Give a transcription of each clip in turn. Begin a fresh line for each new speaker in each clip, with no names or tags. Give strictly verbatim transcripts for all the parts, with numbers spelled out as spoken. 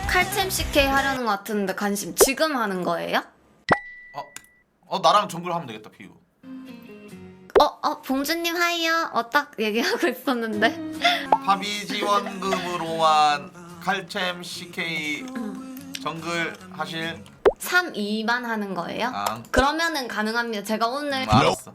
칼챔 씨케이 하려는 것 같은데 관심 지금 하는 거예요?
어, 어 나랑 정글 하면 되겠다 피우.
어, 어, 봉주님 하이요. 어, 딱 얘기하고 있었는데.
파비 지원금으로만 칼챔 씨케이 정글 하실?
삼, 이만 하는 거예요?
아,
그러면은 가능합니다. 제가 오늘
음, 알았어.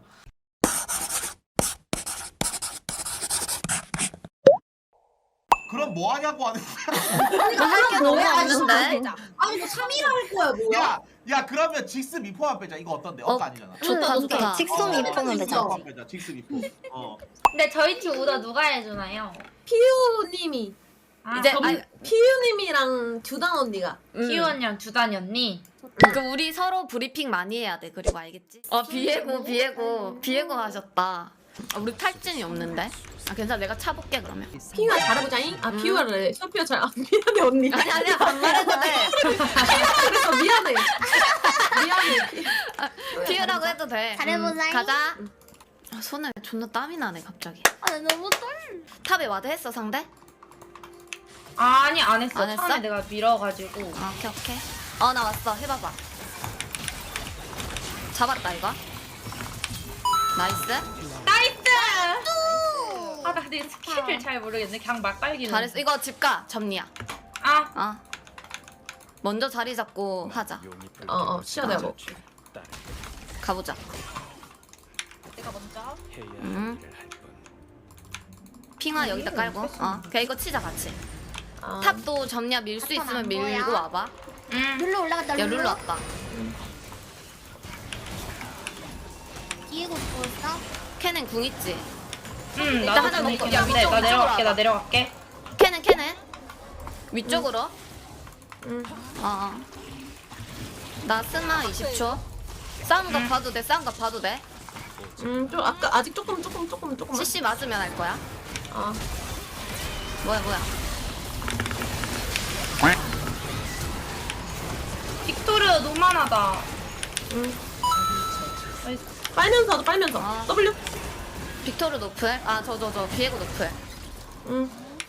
그럼 뭐 하냐고 하는 거야?
할게 너무 없는데.
아니 뭐 삼 일 할 거야 뭐야?
야, 야 그러면 직스 미포만 빼자. 이거 어떤데?
어,
엇가 아니잖아.
좋다, 좋다.
직송
어,
미포면 되죠.
미포만 빼자. 직스 미포. 어.
근데 저희 팀 오더 누가 해주나요?
피우님이
아,
이제
전-
아니,
피우님이랑 듀단 언니가
음.
키우 언니랑 두단이 언니.
그 우리 서로 브리핑 많이 해야 돼. 그리고 알겠지? 어, 비에고, 비에고, 비에고 하셨다. 아, 우리 탈진이 없는데? 아, 괜찮아. 내가 차볼게 그러면.
피우가 잘해보자잉? 아 피우가래 소피가 잘 아, 미안해 언니
아니 아니야 반말해도 돼.
그래서 미안해 미안해
피우라고 해도 돼.
잘해보자잉.
음, 가자. 아, 손에 존나 땀이 나네 갑자기.
아 너무 떨.
탑에 와드 했어 상대?
아니 안 했어.
안 했어?
처음에 내가 밀어가지고.
아, 오케이 오케이. 어 나 왔어. 해봐봐. 잡았다 이거. 나이스.
나이스! 아, 나 근데 스킬을 잘 모르겠네. 그냥 막 빨기는.
잘했어. 이거 집가 점리야.
아,
어. 먼저 자리 잡고 하자.
어어 시야 내가 뭐
가보자.
내가 먼저.
음. 핑화 여기다 깔고. 어. 그냥 이거 치자 같이.
아,
탑도 점리야 밀 수
탑은
있으면
안
밀고
보여?
와봐.
음.
룰루 올라갔다.
야 룰루 왔다.
디에고 죽었어?
캐넨 궁 있지?
음,
일단
나도
하나
재밌긴
먹고- 야,
한데
위쪽,
나 내려갈게.
위쪽으로
나 내려갈게.
캐넨 캐넨. 위쪽으로.
음.
어. 어. 나 스마 이십 초. 싸운 거 봐도 돼. 싸운 거 봐도 돼.
음좀 아까 아직 조금 조금 조금 조금
씨씨 맞으면 할 거야.
아
뭐야 뭐야.
빅토르 노만하다.
음.
나이스.
빨면서 하자 빨면서
아.
W
빅토르 노플. 아 저 저 저 비에고 노플.
음.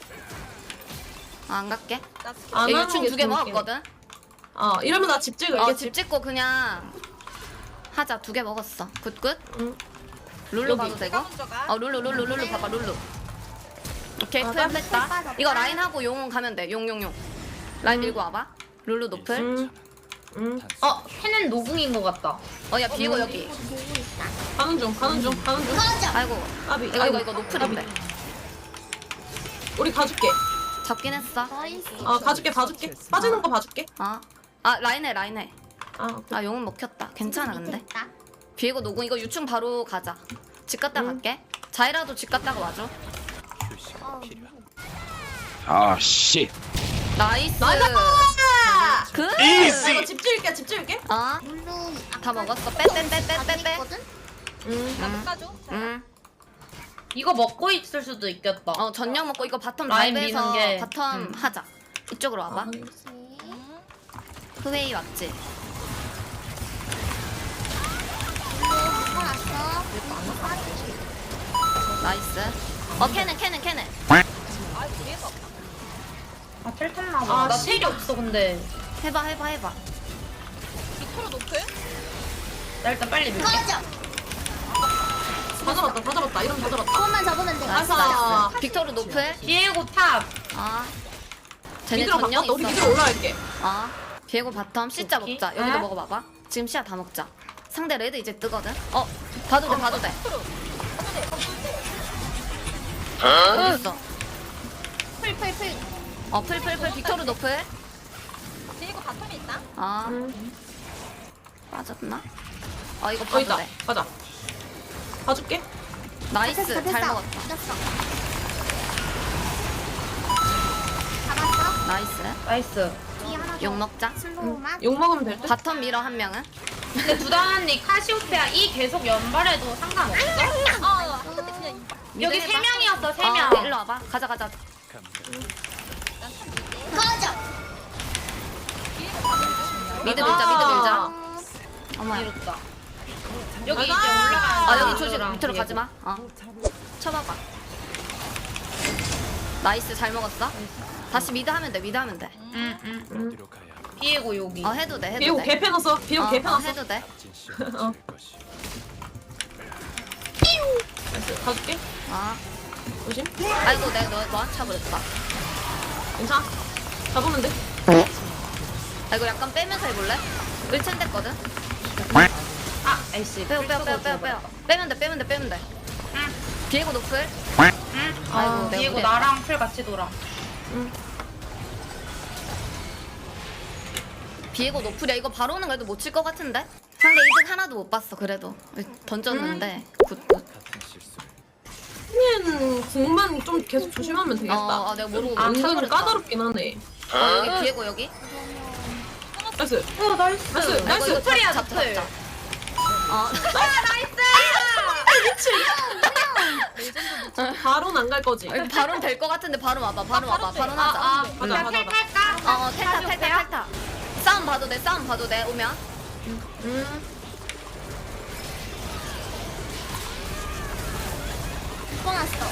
아, 안 갈게.
안
얘
하는
유충
게
두 개
좋을게.
먹었거든.
어 이러면 나 집 찍을게
어 집 찍고 그냥 하자. 두 개 먹었어. 굿굿.
음.
룰루
여기.
봐도 되고. 어 룰루 룰루 룰루 봐봐 룰루. 오케이
아,
풀
나
뺐다.
빠졌다.
이거 라인 하고 용 가면 돼. 용 용 용. 라인 밀고 와봐. 룰루 노플.
음. 음.
어, 팬은 노궁인 것 같다.
어 야 비에고 여기.
보고 있다.
가는 중 가는 중 가는 중
꺼져.
아이고.
까비
이거 이거 이거 노플인데.
까비. 우리 가줄게
잡긴 했어.
나이스.
어 가줄게 봐줄게 빠지는 거 봐줄게
어. 아 라인해 라인해.
아 오케이.
아 용은 먹혔다. 괜찮아 근데.
됐다.
비에고 노공 이거 유충 바로 가자. 집 갔다
응.
갈게. 자이라도 집 갔다가 와줘.
어,
아 씨.
나이스.
나이스!
그.
나 이거 집 지을게 집 지을게
어.
룰루
다 먹었어. 빼 빼 빼 빼 빼 빼.
음.
응. 응.
이거 먹고 있을 수도 있겠다.
어 전력 먹고 이거 바텀
라인
라인에서
미는 게.
바텀
음.
하자. 이쪽으로 와봐.
아,
후웨이 왔지.
살았어.
나이스. 어 캐넨 캐넨 캐넨.
아, 텔 탔나 봐.
아,
나
씨.
텔이 없어, 근데.
해봐 해봐 해봐.
나 일단 빨리 밀게.
꺼져.
다 잡았다 다 잡았다 이러면 다 잡았다
그것만 잡으면 돼.
나이스
아싸.
나이스. 빅토르 노플.
비에고 탑.
아. 쟤네
미드로
전력
바꿨다 우리
있어.
미드로 올라갈게
아. 비에고 바텀 C자
오케이.
먹자. 여기도
응?
먹어봐봐. 지금 씨야 다 먹자. 상대 레드 이제 뜨거든. 어 봐도 돼 봐도 돼. 어디 있어?
풀풀풀.
어 풀풀풀 빅토르 노플.
디에고 바텀에 있다.
아
음.
빠졌나? 어 이거
어
봐도
있다
돼.
가자 봐줄게
나이스
됐어,
잘
됐어.
먹었다.
됐어. 잡았어.
나이스.
나이스.
뒤 하나 더.
욕 먹자.
슬로우만.
욕 먹으면 될듯
바텀 밀어 한 명은.
근데 두단 언니 카시오페아 이 계속 연발해도 상관없어?
어.
여기 세 명이었어, 세
어,
명.
일로 와봐. 가자 가자.
꺼져.
미드
아.
밀자 미드 밀자. 어머.
이렇다. 여기 이제
가자.
올라가는
아 여기 조심
사람들이랑
밑으로
비에고.
가지 마. 어. 쳐봐봐. 나이스 잘 먹었어. 다시 미드 하면 돼 미드 하면 돼.
응, 응.
음.
비에고 여기.
어 해도 돼 해도
비에고
돼.
개패 넣었어. 비에고
어,
개패
어,
넣었어.
해도 돼.
나이스. 가줄게.
아
조심.
아이고 내가 너 너한테 차버렸다.
괜찮아. 잡으면 돼.
아 이거 약간 빼면서 해볼래? 일첸 됐거든.
아, 아이씨.
빼고 빼고 빼고 빼고 빼고 빼면 돼 빼면 돼 빼면 돼. 비에고 노플.
응.
아이고,
아,
내가
비에고
무리했다.
나랑 풀 같이 돌아.
비에고 노플이야. 이거 바로는 그래도 못 칠 것 같은데? 상대 이득 하나도 못 봤어 그래도. 던졌는데. 굿굿.
얘는 궁만 좀 계속 조심하면 되겠다.
어, 어 내가 모르고
안
못
그래도
차버렸다.
까다롭긴 하네.
어 여기 비에고 여기.
나이스.
어, 나이스.
나이스.
이거,
나이스.
이거
노플이야,
잡자,
노플.
잡자. 어.
바로는 안 갈 거지.
이거 바론 될 것 같은데 바로 와봐 바로 와봐 바로
아,
하자.
아,
응.
가자, 가자, 가자.
탈까?
어, 어 탈타 탈타 탈타. 싸움 봐도 돼 싸움 봐도 돼 오면.
음.
뻔했어.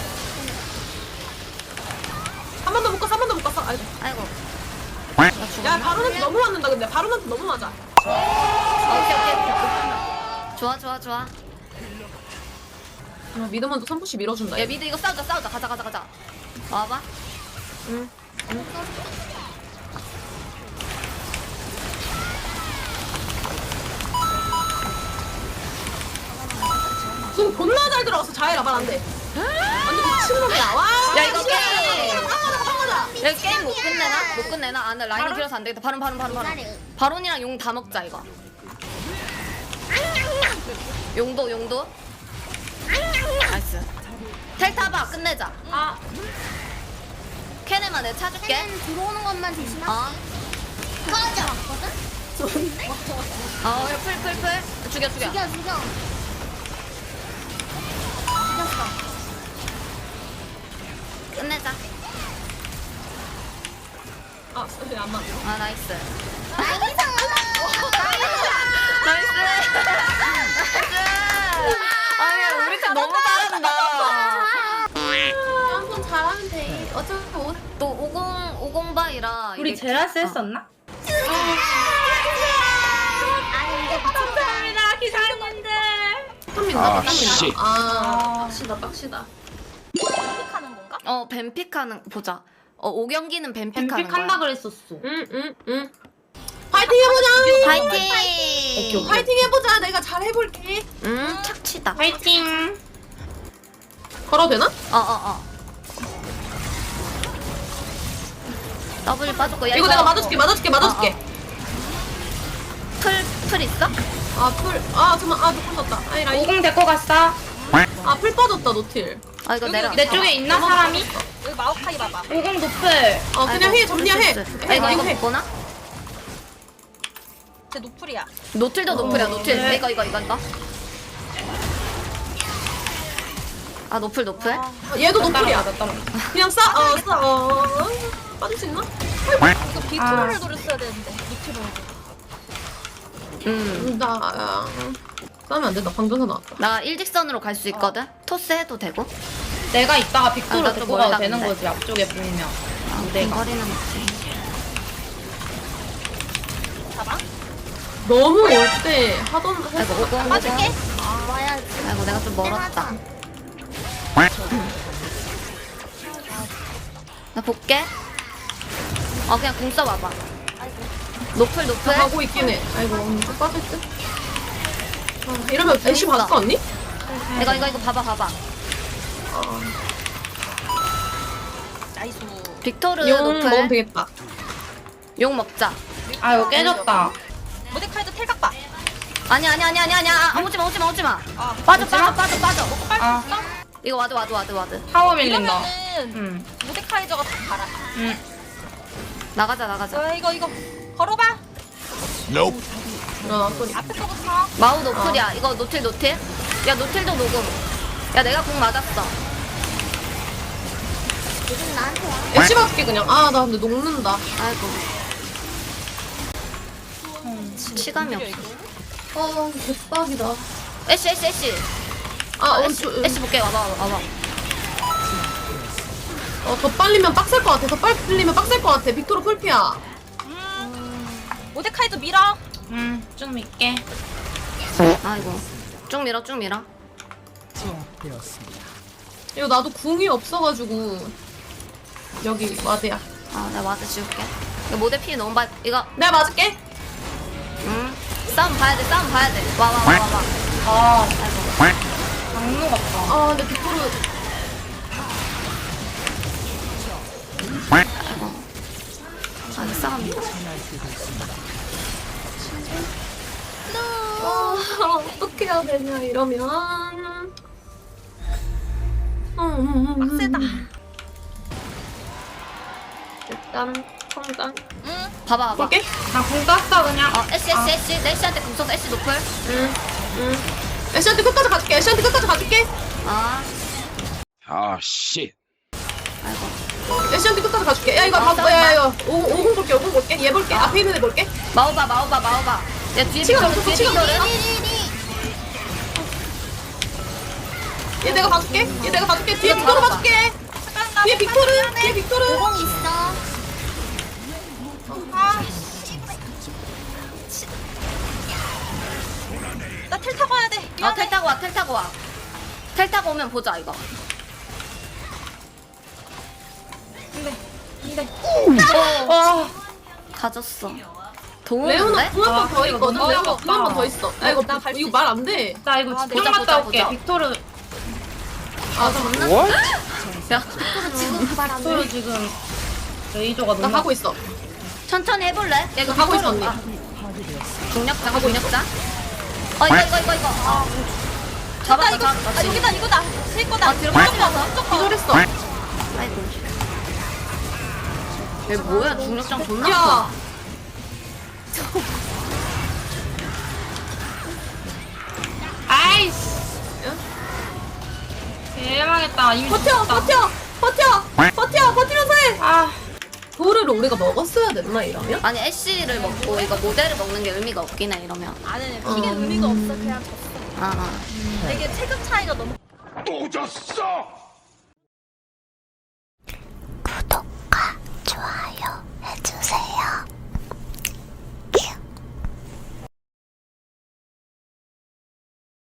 한 번 더 못 갔어, 한 번 더 못 갔어. 아이고.
아이고. 나
야,
죽었나?
바로는 너무 맞는다, 근데. 바로는 너무 맞아.
어, 오케이 오케이 오케이. 좋아 좋아 좋아.
아, 미드먼저 삼 푸시 밀어준다.
야
얘.
미드 이거 싸우자 싸우자 가자 가자 가자. 와봐. 응.
지금 존나 잘 들어갔어. 자해라, 말안 돼. 완전 미친놈이야. 와.
야, 이거
씨발.
게임.
상하다, 상하다.
야 게임 못 끝내나? 못 끝내나? 아, 나 라인이 길어서 안 되겠다. 바론 바론 바론 바론. 바론이랑 용 다 먹자 이거. 용도 용도. 나이스. 텔 타봐 끝내자.
아,
캐네만 내가 차줄게.
걔는 들어오는 것만 조심하.
어.
꺼져. 왔거든? 좋은데?
어, 야, 풀, 풀, 풀. 죽여, 죽여.
죽여, 죽여. 죽였어.
끝내자.
아, 소리 안 맞아.
아, 나이스.
나이스!
나이스. 나이스. 아니, 우리 팀 너무 잘한다.
한번 잘하면 돼. 어차피 오.
또 오십, 오십 바이라.
우리
이게-
제라스
어.
했었나?
아니, 이제 미쳤다.
감사합니다, 기사님들.
땀 민다,
아,
땀
씨.
민다. 아, 빡시다, 빡시다.
픽하는 건가?
어, 뱀픽하는, 보자. 어, 오 경기는 뱀픽하는 거야.
뱀픽한다 그랬었어.
응, 응, 응. 파이팅 해보자.
파이팅!
파이팅 해보자. 내가 잘 해볼게.
음, 착취다.
파이팅.
걸어도 되나?
어, 어, 어. W 빠졌고, 야,
이거 내가 맞아줄게, 맞아줄게, 맞아줄게.
어, 풀, 풀 있어?
아, 풀. 아, 잠깐만. 아, 노플 떴다. 아니, 라인.
오공 데리고 갔어.
아, 풀 빠졌다, 노틸.
아, 이거 내려.
내 쪽에 있나, 사람이?
여기 마오카이 봐봐.
오공 노플.
어, 그냥 해, 정리야, 해.
아, 이거, 이거
해.
못 보나?
제 노플이야.
노틸도 노플이야, 노틸.
네.
이거, 이거, 이거, 이거. 아, 노플, 노플?
아, 얘도 노플이야.
따라가, 따라가.
그냥 싸, 어, 싸, 어. 빠질 수 있나?
이거 비트로를
아.
노렸어야 되는데. 비트로.
음.
나, 아, 싸면 안 된다. 방전사 나왔다.
나 일직선으로 갈 수 있거든? 토스 해도 되고?
내가 이따가
아,
빅토르
나좀
데리고 가도
멀다,
되는
근데.
거지, 앞쪽에 보이면.
아,
무대가.
거리는 없지.
봐봐.
너무 올 때 하던,
아이고, 오공, 오공.
맞을게. 아, 와야지.
아이고, 내가 좀 멀었다. 나 볼게. 어, 그냥 궁 써봐봐. 노플, 노플.
가고 있긴 해. 아이고, 좀 빠질 듯? 아, 이러면 애쉬
재밌어.
봤어, 언니?
이거, 이거, 이거 봐봐, 봐봐.
어,
나이스.
빅토르
용 먹으면
노플.
되겠다.
용 먹자.
아, 이거 깨졌다.
모데카이도 텔각 봐.
아니, 아니, 아니, 아니, 아니. 아, 오지 마, 오지 마, 오지 마.
아,
빠져, 빠져, 빠져, 빠져.
아,
이거 와드, 와드, 와드, 와드.
타워 밀린다.
이러면은
응.
모데카이저가 다 가라.
응.
나가자, 나가자.
어, 이거 이거 걸어봐.
일어나, 소리.
앞에 거부터.
마우 노플이야. 이거 노틸, 노틸. 야, 노틸도 녹음. 야, 내가 공 맞았어.
요즘 나한테 와.
애쉬 봐줄게, 그냥. 아, 나 근데 녹는다.
아이고. 시감이 없어.
아, 개빡이다.
애쉬, 애쉬, 애쉬.
아,
어,
어,
애쉬,
저,
애쉬 볼게. 와봐, 와봐, 와봐.
어, 더 빨리면 빡셀 것 같아. 더 빨리면 빡셀 것 같아. 빅토르 풀피야.
모데카이도 밀어.
음쭉 밀게.
아이고. 쭉 밀어 쭉 밀어.
이거 나도 궁이 없어가지고 여기 와드야.
아 내가 와드 지울게. 이거 모델 피 너무 많이 이거
내가 맞을게.
응. 싸움 봐야 돼 싸움 봐야 돼. 와 와 와 와 와.
아
아이고.
장르 같다.
아 근데 빅토르
아 이거 싸움이다.
아, 어떻게 해야 되냐 이러면. 음,
빡세다.
일단 성장.
응.
봐봐 봐봐.
볼게.
나궁 땄어 그냥.
어 애쉬 애쉬 애쉬 애쉬한테 궁 써서 애쉬 노플.
응, 응. 애쉬한테 끝까지 가줄게. 애쉬한테 끝까지 가줄게.
아
아, 씨.
아이고.
애쉬한테 끝까지 가줄게. 야 이거
아,
봐, 야 이거 오공 오공 볼게. 오공 볼게. 얘 볼게. 앞에 있는 애 볼게.
마오바 마오바 마오바. 야 뒤에
치가
빅토르,
없어,
뒤에
치가
빅토르.
없어. 얘 내가 봐줄게. 얘 내가 봐줄게. 뒤에
이거
빅토르
봐봐.
봐줄게. 뒤에 빅토르. 뒤에 빅토르.
오공 있어. 아. 나텔 타고 와야 돼.
어,
미안해.
텔 타고 와, 텔 타고 와. 텔 타고 오면 보자, 이거.
와.
가졌어.
레오나
도우는데?
궁 한 번 더
아, 이거
있거든.
너무
레오나
어렵다.
궁 한 번 더 있어. 야 이거
나갈수
이거 말 안 돼.
나 이거
아,
집중
보자,
갔다
보자,
올게.
보자.
빅토르
아, 존나?
What?
야,
빅토르 지금 레이저가
나
너무
가고 있어.
천천히 해볼래? 야, 이거
나 하고
빅토르
있어,
아, 중력자, 중력자. 어, 이거, 이거, 이거, 이거. 아, 잡았다,
나 이거
잡았다.
아 여기다 이거다. 새 거다.
아, 뒤로 빠지면서?
기절했어.
아이고. 얘 뭐야, 중력장 존나
야.
커.
아이씨. 대망했다. 이미
버텨,
죽었다.
버텨, 버텨, 버텨, 버티면서 해.
아.
도르를 우리가 먹었어야 됐나 이러면?
아니, 애쉬를 먹고 이거 모델을 먹는 게 의미가 없긴 해, 이러면.
아니 이게 의미가 없어. 그냥 졌어.
아, 아.
되게 체급 차이가 너무.
또 졌어!